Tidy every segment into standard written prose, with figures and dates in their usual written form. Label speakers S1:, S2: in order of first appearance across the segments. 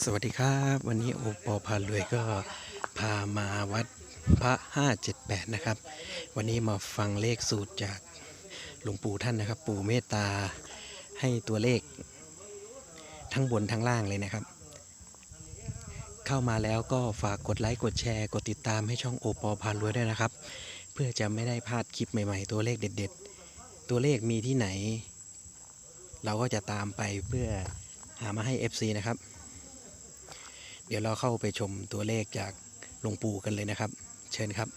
S1: สวัสดีครับวันนี้โอปอพารวยก็พามาวัดพระ578นะครับวันนี้มาฟังเลขสูตรจากหลวงปู่ท่านนะครับปู่เมตตาให้ตัวเลขทั้งบนทั้งล่างเลยนะครับเข้ามาแล้วก็ฝากกดไลค์กดแชร์กดติดตามให้ช่องโอปอพารวยด้วยนะครับเพื่อจะไม่ได้พลาดคลิปใหม่ๆตัวเลขเด็ดๆตัวเลขมีที่ไหนเราก็จะตามไปเพื่อหามาให้ FC นะครับเดี๋ยวเราเข้าไปชมตัวเลขจากหลวงปู่กันเลยนะครับเชิญครับ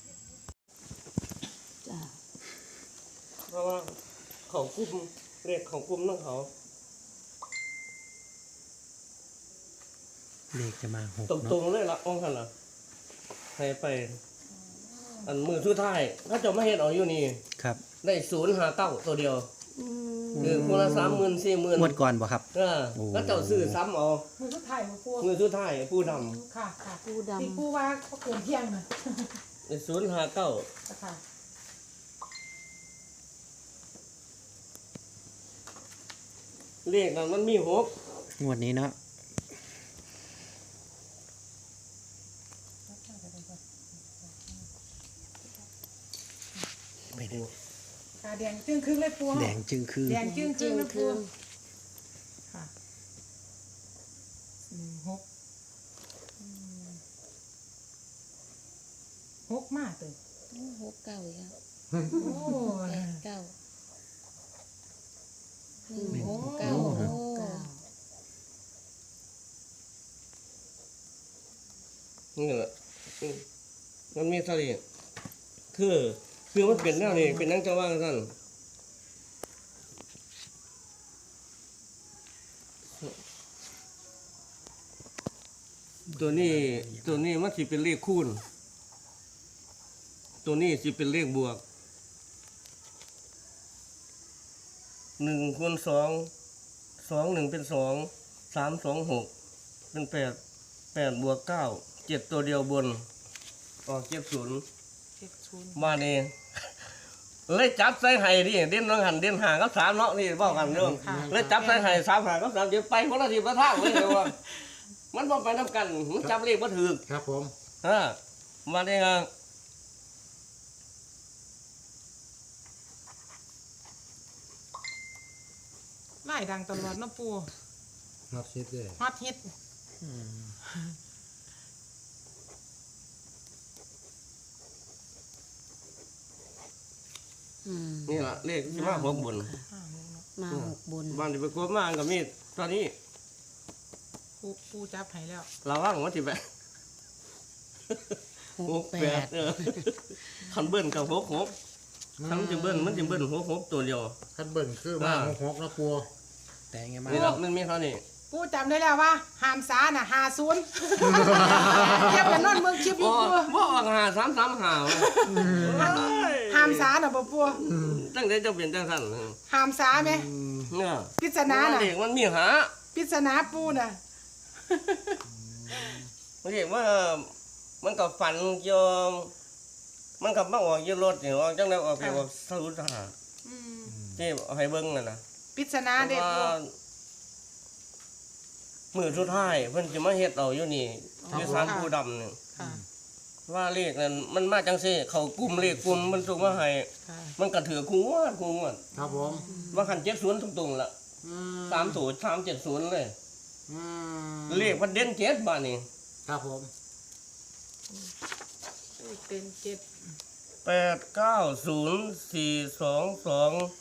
S2: เพราะว่าเขากุ้มเรียกเขากุ้มนั่งเขา
S1: เลขจะมาหก
S2: ตรงๆเลยละองค์ท่านละให้ไปอันมือสุดท้ายถ้าจะไม่เห็นเอาอยู่นี่
S1: ครับ
S2: ได้059ตัวเดียวคือคนละ30,000 40,000
S1: งวดก่อนบ่ครับ
S2: แล้วเจ้าซื้อซ้ำเอา
S3: มือสุดท้ายมาปู
S2: มือสุดท้ายผู้ด
S3: ำค่ะค่ะ
S4: ปูดำ
S3: ที่ปูว่าเขาเกินเที่ยงนะ
S2: ำได้059
S3: ค่ะ
S2: เลขนั้นมันมี6
S1: งวดนี้เนาะไปดู
S3: ค่ะแดงจึ้งครึ่งเลยปู
S1: แดงจึงคือ
S3: แดงจึ้งครึ่งเลยปูค่ะ6มากเลย
S4: 6 9อีกแล้ว
S3: โอ้
S4: 8 9 1 6 9
S2: นี่แหละมันมีสติคือมันเป็นแนวนี้เป็นนังจะว่าท่านตัวนี้มันสิเป็นเลขคูณตัวนี้สิเป็นเลขบวก1 คูณ 2 2 1เป็น2 3 2 6เป็น8 บวก 9 7ตัวเดียวบนออก70มานี่เลยจับใส่ไห้ดิเด่นน้องหันเด่นห่างกับ3เนาะนี่บอกกันเด้อเลยจับใส่ไห้3ห่างกับ3เดี๋ยวไปคนละทีละทางเลยว่ามันบ่ไปนำกันมันจับเลขบ่ถูก
S5: ครับผม
S2: มานี่ครับ
S3: ไล่ดังตลอดนะปู
S5: นับชิดเลย
S3: ฮอตฮิต
S2: นี่ล่ะเลขที่มา6บน
S4: มา6 บน
S2: บ้านที่ไปกบมาก็มีตอนนี้
S3: ปูจับให้แล้ว
S2: ระวังว่าสิไป
S4: 6
S2: 68
S4: 8
S2: คันเบิ้ลกับ6คันมันจะเบิ้ล6ตัวเดียว
S5: คันเบิ่นคือมาหกนะปัว
S1: แต่ไงมา
S2: นี่ล่ะมันมีเท่านี้
S3: ปูจำได้แล้วว่าหามสาน่ะ50เทียบกันนอนเมืองคลิปอยู่ปู
S2: บ่ออก5335
S3: หามสาน่ะบ่ปู
S2: ตั้งแต่เจ้าเป็นจังซั่น
S3: หามสาไหม
S2: เนี่ย
S3: ปริศนาน่ะ
S2: เลขมันมีหา
S3: ปริศนาปูน่ะ
S2: เรียกว่ามันก็ฝันเกี่ยวมันก็มาออกอยู่รถนี่ออกจังได๋ออกไปว่าสรุปหาที่เอาให้เบิ่งนั่นน่ะ
S3: ปริศนาเด็ดปู
S2: มือสุดท้ายเพิ่นสิมาเฮ็ดเอาอยู่นี่อยู่ศาลปู่ดำนี่
S3: ค่ะ
S2: ว่าเลขนั้นมันมาจังซี่เขากลุ่มเลขกลุ่มมันส่งมาให้
S3: ค่ะ
S2: มันก็ถือคู่งวด
S5: ครับผม
S2: ว่าคัน70ตรงๆล่ะ30 370เลยเลขพันเด่น7บาดนี้
S5: ครับผม
S3: เป็น7
S2: 890422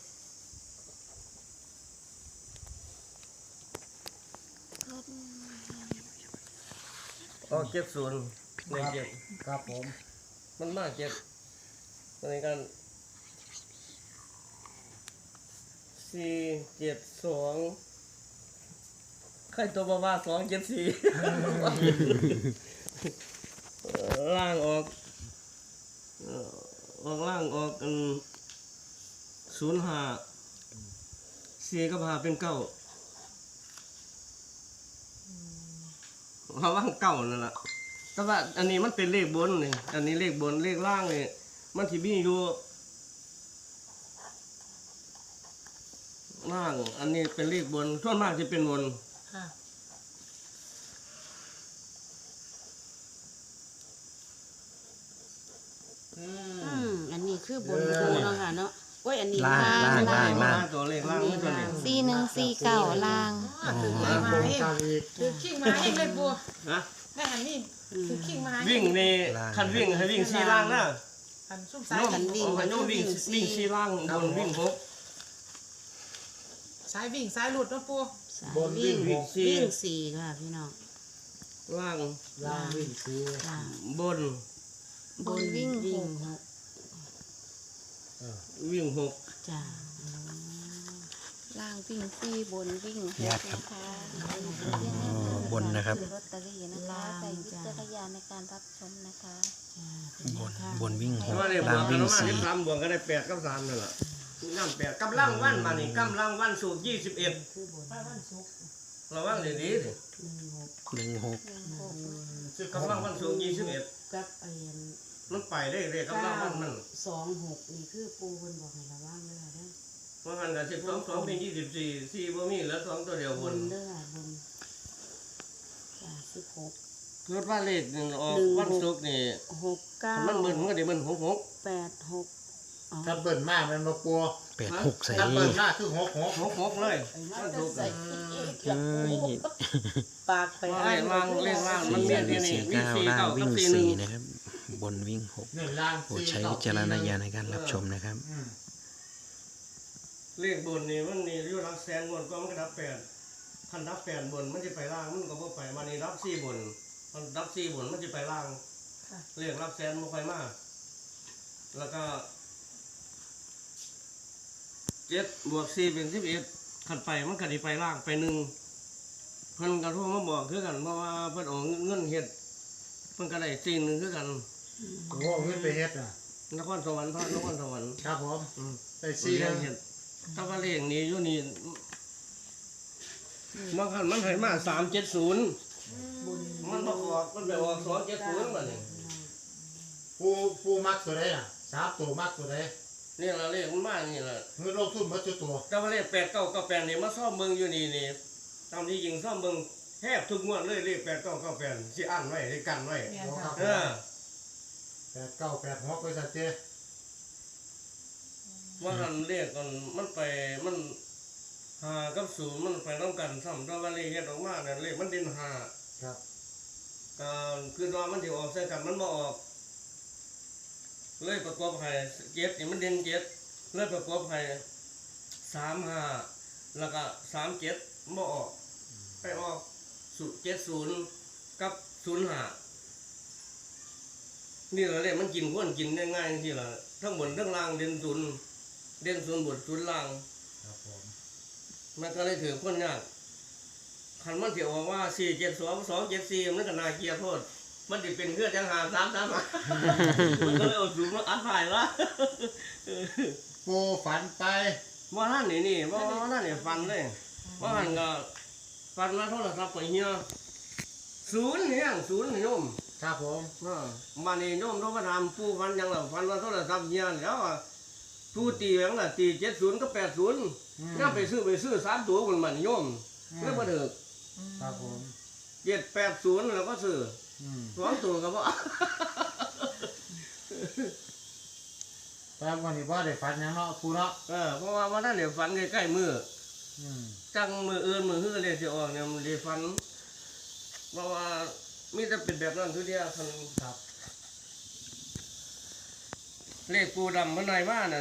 S2: ออก70เลข7
S5: ครับผม
S2: มันมา7ในกัน472ใครตัวบ้า274ล่างออกล่างออกกัน05 4กับ5เป็น9เพราะว่าเก่านั่นแหละแต่ว่าอันนี้มันเป็นเลขบนนี่อันนี้เลขบนเลขล่างนี่มันที่มีอยู่ ล่างอันนี้เป็นเลขบนส่วนมากจะเป็นบน
S3: ค่ะ
S4: อันนี้คือบนปูเนาะค่ะเนาะโอ้ยอันนี้
S1: ล่างล่าง
S2: มาตัวเลขล่างนี่ตัวนี้
S4: 4149ล่าง
S3: ถือ
S5: ล่าง
S3: มา
S5: บน
S3: เอง
S5: กลางอีก
S3: ถือขิงมาเองเลยบัว
S2: นะ
S3: ได้หันนี่ถือขิงมา
S2: วิ่งในคันวิ่งให้วิ่งสี่ล่างนะ
S3: หันซุ่มซ้าย
S2: โน้มโน้มวิ่งสี่ล่างบนวิ่งหก
S3: ซ้ายวิ่งซ้ายหลุดเนาะปู
S5: บนวิ่งหก
S4: วิ่งสี่ค่ะพี่น้อง
S2: ล่าง
S5: ล่างวิ่งสี่
S4: ล่าง
S2: บน
S4: บนวิ่งหก
S2: วิ่งหก
S4: จ้า
S6: ล่างวิ่งสี่บนวิ่งหก
S1: ญาติครับ
S6: นะคะ
S1: อ๋อบนนะครับ
S6: ลอตเตอรี่นะคะใส่วิจารณญาณในการรับชมนะคะ
S1: บนวิ่งห
S2: เพ
S1: ก
S2: ราะว่าเนี่ยบ
S1: ล่าว ง
S2: กกัน
S1: วิ่ง
S2: ว่า
S1: สี่
S2: ที่3บวกก็ได้8กับ3นั่นแหละนั่น8กำลังวันมานี่กำลังวันสูตร21
S4: คือบน
S2: ระวังดีๆดิ
S1: 16
S2: กำลังวันสูตร21
S4: กับไอ้
S2: มันไปได้เรียกกำลังวันมัน
S4: 26นี่คือปูเพิ่นบอกให้ระวังเด้อเด้อ
S2: เพราะมันก็12 2เป็น24 4บ่มีเหลือ2ตัวเดียว
S4: บบ
S2: น
S4: นเด้อบนจ้า16
S2: คือว่าเลขนึงออกวันศุกร์นี่
S4: 69
S2: มันเบิ่นมันก็ได้เบิ่น66
S4: 86อ๋อ
S5: ถ้าเบิ่นมากมันมาปัว
S1: 86ใส่
S5: ถ้าเบิ่นมากคือ66
S2: 66เลย
S4: ไอ้มา
S2: วัน
S4: จะ
S2: ศุกร์
S4: ใส่
S1: เอ้ย
S4: ปากไป
S2: เลขล่างมันมีนี่นี่วิ่ง
S1: 49ล่าง
S2: 4 9
S1: วิ่
S2: กั
S1: ง
S2: บ
S1: 4
S2: 41
S1: นะครับ บนวิ่ง
S5: หนึ่งล่าง
S1: 6โปรด
S5: สี่
S1: ใช้วิจารณญาณในการรับชมนะครับ
S2: เลขบนนี่มันนี่อยู่รับแสนบนก็มันก็รับ8คันรับ8บนมันจะไปล่างมันก็บ่ไปมานี่รับ4บนมันรับ4บนมันจะไปล่างเลขรับแสนบ่ค่อยมาแล้วก็7บวก4เป็น11คันไปมันก็สิไปล่างไป1เพิ่นก็โทรมาบอกคือกันเพราะว่าเพิ่นเอาเงินเฮ็ดเพิ่นก็ได้1คือกัน
S5: โอ้โหเงินไปเฮ็ดน่ะ
S2: นครสวรรค์พระนครสวรรค์
S5: ครับผม
S2: อืม
S5: ไปสี่
S2: เรี
S5: นึ
S2: ย
S5: ง
S2: นเห็ดถ้าว่าเลขนี้อยู่นี่บางครั้งมันให้มา370มันประกอบมันไปออก270บัดนี้
S5: ปูมักตัวใดน่ะสามตัวมักตัวใด
S2: นี่ล่ะเลขมันมานี่ล่ะ
S5: เงินลงทุนหมดจุดตัว
S2: แต่ว่าเลข8998นี่มาซ่อมเบิ่งอยู่นี่นี่ตามที่จริงซ่อมเบิ่งแทบทุกงวดเลยเลข8998สิอ่านไว้สิกันไว้
S3: แม่นค่ะ
S2: เออ
S5: 8986ไปซะเจ้
S2: ว่าหันเลขก่อนมันไปมัน5กับ0มันไปนำกันซ้ำแต่ว่าเลขเฮ็ดออกมาเนี่ยเลขมันเด่น5
S5: ครับ
S2: ก็คือว่ามันสิออกใส่กันมันบ่ออกเลยประกอบให้7นี่มันเด่น7เลยประกอบให้35แล้วก็37บ่ออกไปออก70กับ05นี่แหละเลยมันกินคนกินได้ง่ายจังซี่ล่ะทั้งบนทั้งล่างเด่น0เด่น0บน0ล่าง
S5: ครับผม
S2: มันก็เลยถือคนยากคันมันสิออกว่า472 274มันก็น่าเกลียดโทษมันสิเป็นเพื่อจังหา3มันก็เลยเอาสูงมาอัดถ่ายวะ
S5: ปูฝันไป
S2: ว่าท่านนี่ว่าท่านนี่ฟันเลยว่าท่านก็ฟันมาโทรศัพท์ไปเฮีย0เนี่ย0โยม
S5: ครับผม
S2: มานี่โยมต้องมาทำผู้ฟันยังล่ะฟันมาโทรศัพท์เฮียแล้วอะผู้ตีแหงล่ะตี70กับ80น่าไปซื้อ3ตัวมันโยมแล้วบ่ถึก
S5: ครับผม
S2: 780แล้วก็ซื้อ
S5: อืม
S2: 2ตัวก็บ่
S5: แต่วันนี้ว่าได้ฝันหยังเนาะปูเนาะ
S2: เพราะว่าวันนั้นเนี่ยฟันใกล้ๆมือ
S5: อืม
S2: จังมืออื่นมือฮื้อเลยสิออกเนี่ยมันได้ฟันเพราะว่ามีแต่เป็นแบบนั้นทุกเดียวคัน
S5: ครับ
S2: เลขปูดำมันไหนว่านั่น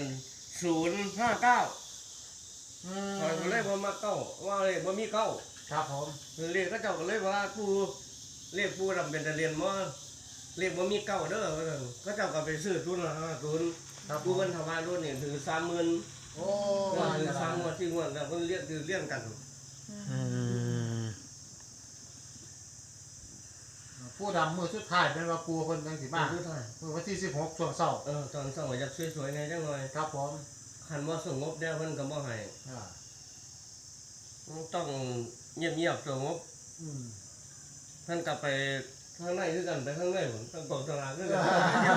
S2: 059
S5: อืม
S2: ข้อยก็เลยบ่มาเก้าว่าเลขบ่มีเก้า
S5: ครับผม
S2: เลขก็เจ้าก็เลยว่าปูเลขปูดำเป็นตะเรียนบ่เลขบ่มีเก้าเด้อว่าซั่นเขาเจ้าก็ไปซื้อ050
S5: ครับผ
S2: กู
S5: ม
S2: เพิ่นถวายรถนี่ถือ30,000
S5: โอ้
S2: ก็
S5: ว่า
S2: ถือ
S5: จะ
S2: 3งวด4งวดแล้วเพิ่นเรียกถือเลี้ยงกัน
S1: อืม
S5: ผู้ดำมือสุดท้ายเป็นว่าปูเพิ่นจังสิมา
S2: ทุกท่าน
S5: มือวันที่16ช่วงเช้า
S2: ตอนเช้าอยากสวยๆแหน่จังหน่อย
S5: ครับผม
S2: คันว่าสงบแล้วเพิ่นก็บ่ให้
S5: อ่า
S2: ต้องเงียบๆสงบ
S5: อืม
S2: เพิ่นกลับไปข้างในคือกันไปข้างในผมต้องกองสลากคือกัน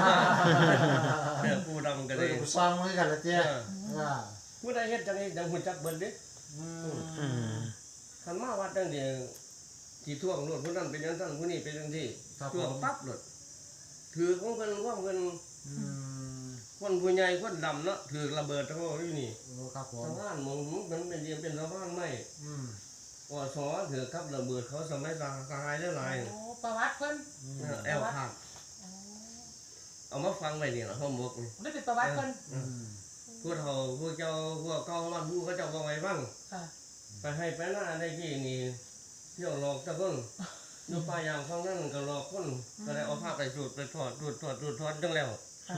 S2: ผู้ดำก็
S5: เล
S2: ได้
S5: ยซองมือกันละเจ้อ่า
S2: ผู้ใดเฮ็ดจังนี้จังหุ่นจักเบิ่นเด้
S5: อืม
S1: อืม
S2: คันมาวัดจังเดียวที่ท่วงรถผู้นั้นเป็นจังซั่นผู้นี้เป็นจังซี่
S5: ครับผ
S2: ท่วง
S5: ม
S2: ปั๊บรถถือของเพิ่นว่าเพิ่น
S5: อืม
S2: คนผู้ใหญ่คนดำเนาะถือระเบิดเขาอยู่นี่
S5: โอ้ครับผม
S2: สะพานมองมันเป็นเดียมเป็นสะพานไม้
S5: อืม
S2: ว่าสอถือครับระเบิดเขาสมัยสหายได้หลาย
S3: โอ้ประวัติเพิ่น
S2: แอลขาดเอามาฟังไว้นี่ล่ะห้องบกนี่
S3: ได้เป็นประวัติเพิ่น
S5: อืม
S2: พวกเขาพวกเจ้าพวกเก่าบ้านผู้เขาเจ้าบอกไว้บ้าง
S3: ค่ะ
S2: ไปให้ไปหน้าได้กี่นี่เที่ยวหลอกเจ้าคนอยู่ป่ายางข้างนั้นก็หลอกคนก็ได้เอาผ้าไปสูดไปถอดจังแล้ว
S3: ค่ะ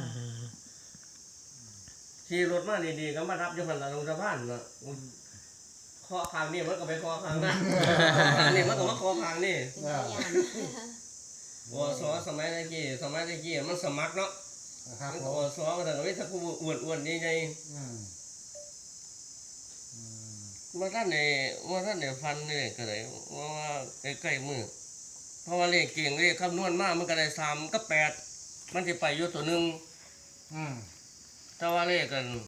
S2: ขี่รถมาดีๆก็มารับอยู่หันหลังลงสะพานน่ะเคาะทางนี่มันก็ไปเคาะทางนั้นอันนี้มันก็มาเคาะทางนี่
S4: เป็นพยาน
S2: วสสมัยตะกี้มันสมัครเนาะ
S5: ครับ
S2: มัน
S5: ผ
S2: ก็
S5: ม
S2: วสก็แต่ก็ไม่ทักผู้อ้วนๆนี่ไง
S5: อืมอืม
S2: ว่าท่านในฟันนี่ก็เลยว่าใกล้ๆมือเพราะว่าเลขเก่งเลขคำนวณมากมันก็ได้3 กับ 8มันสิไปอยู่ตัวหนึง
S5: อืม
S2: แต่ว่าเลขกัน